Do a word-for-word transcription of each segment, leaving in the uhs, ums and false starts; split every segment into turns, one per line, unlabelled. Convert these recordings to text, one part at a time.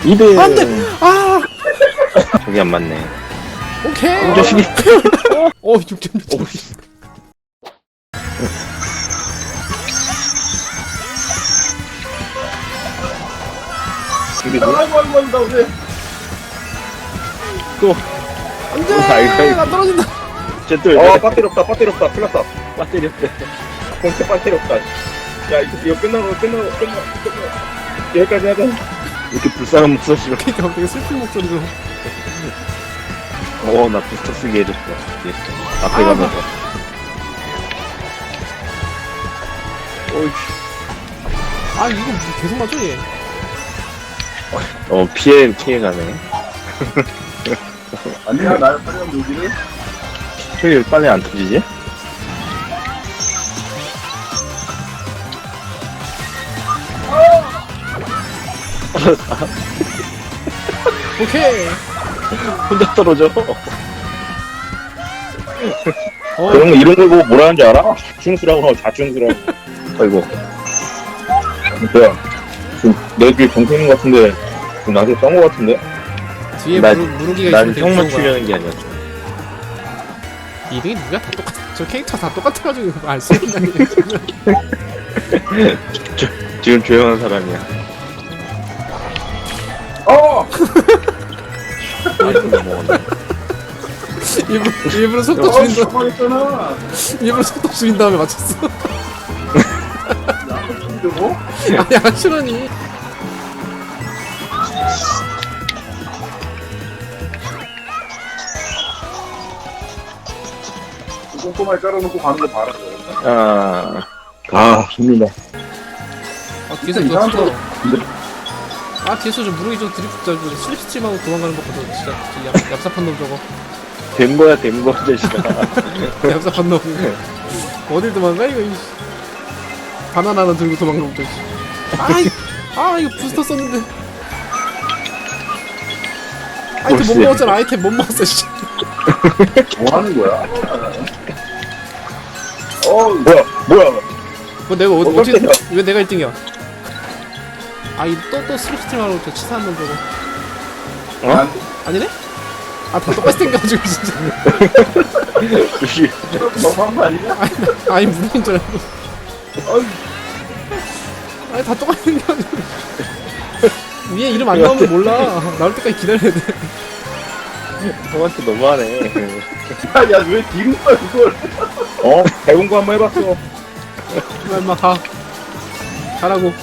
이 등.
안 돼! 아!
저기 안 맞네.
오케이!
이 자식이.
어, 육 점 육 점.
오,
아이고 아이고 아이고 나 왜?
또.
안 돼!
아이고, 아이고.
나 떨어진다!
쟤또
아 배터리 없다 배터리 없다 큰일 났다.
배터리 없대.
공채 배터리 없다. 야 이거 이거 끝나고 끝나고 끝나고 끝나고 여기까지 하자.
이렇게 불쌍한 목소리로.
그니까 되게 슬픈 목소리로.
어, 나 부스터 쓰게 해줬어. 예. 앞에
아,
가면서. 어이.
아, 이거 무슨 계속 맞아, 얘.
어, 피해, 피해가네.
아니야 나 빨리 여기를.
왜 빨리 안 터지지?
오케이!
혼자 떨어져.
어,
그런 거 이런 걸 보고 뭐라 하는지 알아? 자충수라고 자충수라고.
아이고.
뭐야? 지금 내 뒤에 정수 있는 것 같은데 지금 나한테 쏜 것 같은데?
뒤에
난-
무르, 무르기가
난
있으면 되게
형만
무서운 거야.
추려는 게 아니었어.
이등이 누구야? 다 똑같아. 저 캐릭터 다 똑같아가지고 알 수 있는 게
지금 조용한 사람이야.
어!
아이고, 먹었네.
일부러, 일부러 속도
어,
줄인 다
가만히 있잖아.
일부러 속도 줄인 다음에 맞췄어.
저거?
아니, 안 싫으니.
꼼꼼하게 깔아놓고 가는 거 봐라.
아,
아, 힘들다.
아, 뒤에서
진짜
그거
이상한
쳐. 아, 뒤에서 좀 무르기 좀 드리프트 잘 보고 슬립스트림하고 도망가는 거 보다 진짜 저 얍, 얍삽한 놈 저거.
된 거야, 된 거야, 자식아.
얍삽한 놈. 어딜 도망가 이거. 이씨. 바나나 하나 들고 도망가고 또. 아이, 아 이거 부스터 썼는데. 아이템 못
멋있어.
먹었잖아. 아이템 못 먹었어. 씨.
뭐 하는 거야? 어, 뭐야, 뭐야.
뭐 내가 어,
어,
어떻게
깜짝이야.
왜 내가 일 등이야? 아이 또또 슬립스트림하고 저 치사한 놈 저거.
어?
아니네? 아 다 똑같이 생겨가지고 진짜.
자식.
너무한 거 아니냐?
아니, 나- 아니 무슨 줄 알고.
어이,
아니 다 똑같이 생겨가지고. 위에 이름 안 나오면 몰라. 나올 때까지 기다려야 돼.
형한테 너무하네.
야, 야, 왜 뒤로 가, 그걸? 어, 배운 거 한번 해봤어.
임마 임마 가. 가라고.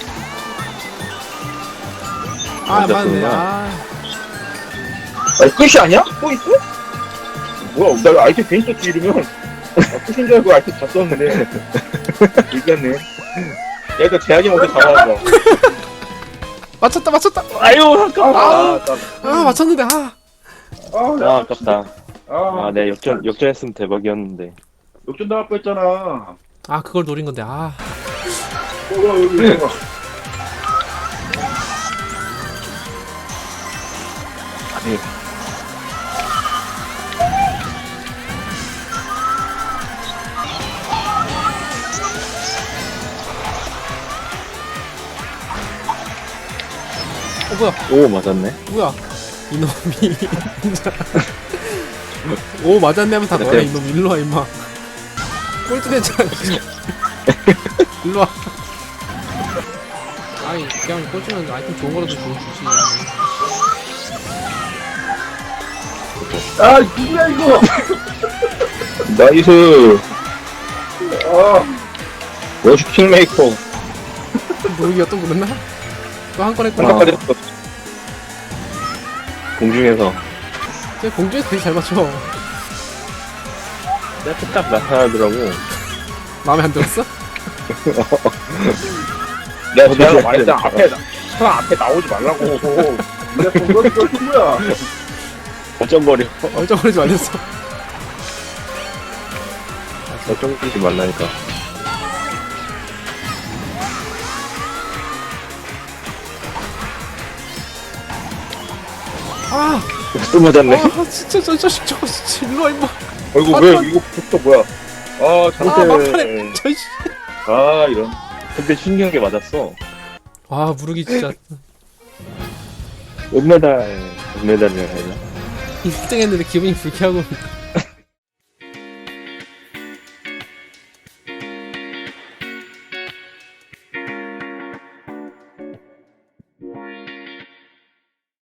아
맞아,
맞네.
그거야.
아
아니, 끝이 아니야? 또 있어? 뭐야, 나 아이템 괜히 썼지, 이러면. 아, 끝인 줄 알고 아이템 다 썼는데. 이겼네. 야, 일단 제약이 먼저 잡아왔어.
맞췄다 맞췄다.
아유, 아깝다.
아, 나,
아 맞췄는데 아.
아,
아,
야,
아깝다.
아,
아, 내가 역전, 역전했으면 대박이었는데.
역전 나갈 뻔했잖아. 어,
아 그걸 노린 건데 아.
여기, 여기, 봐. 아니.
어 뭐야
오, 맞았네.
뭐야 이놈이 진짜. 오 맞았네 하면 다
네,
너네
네.
이놈 일로와 임마. 꼴찌 됐잖아. 일로와. 아이 그냥 꼴찌면 아이템 좋은 거라도 좀 주지.
아, 누구야, 이거? 나이스. 아, 워시 킹메이커.
모르기가 또 그랬나? 또 한 건 했구나.
한까지 했어.
공중에서.
쟤 공중에서 되게 잘 맞춰.
딱, 딱 나타나더라고.
마음에 안 들었어?
내가 제가 말했잖아. 앞에, 나- 사람 앞에 나오지 말라고. 내가 그거, 그거 친구야.
어ጨ거려.
얼쩡거리지 말랬어.
어ጨ거리지 말라니까.
아!
또 맞았네.
아 진짜 저 자식 저거 진짜 일로와 임마.
어이구, 왜, 이거 부터 뭐야? 아,
아
잘못해.
막판에 저씨.
아, 이런.
근데 신기한 게 맞았어.
아 무르기 진짜.
은메달, 은메달이라 해야 되나?
일 등 했는데 기분이 불쾌하고